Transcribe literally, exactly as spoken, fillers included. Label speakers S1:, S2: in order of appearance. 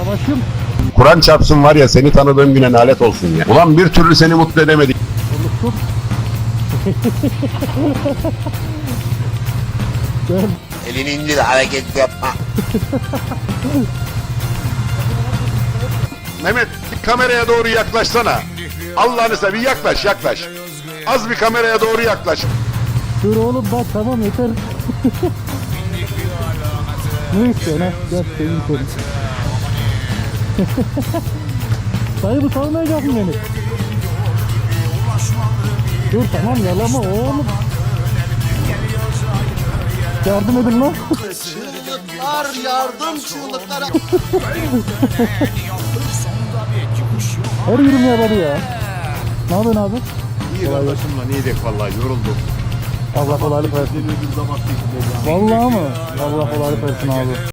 S1: Başım.
S2: Kur'an çarpsın var ya, seni tanıdığım güne lanet olsun ya. Ulan bir türlü seni mutlu edemedik.
S1: Unuttum. Gel.
S3: Elini indir, hareket yapma.
S2: Mehmet, bir kameraya doğru yaklaşsana. Allah'ını seveyim, yaklaş yaklaş. Az bir kameraya doğru yaklaş.
S1: Dur oğlum bak, tamam yeter. Ne istiyorsun ha? Gel seveyim seni. Dayı bu salmayacak mı beni? Dur tamam, yalama oğlum. Yardım edin lan.
S3: Çığlıklar, yardım çığlıkları.
S1: Her yerim yaralı ya. Ne yapıyorsun abi?
S2: İyi kardeşim lan, iyi dek vallahi, yoruldum.
S1: Allah kolaylık versin. Vallahi mı? Allah kolaylık versin abi.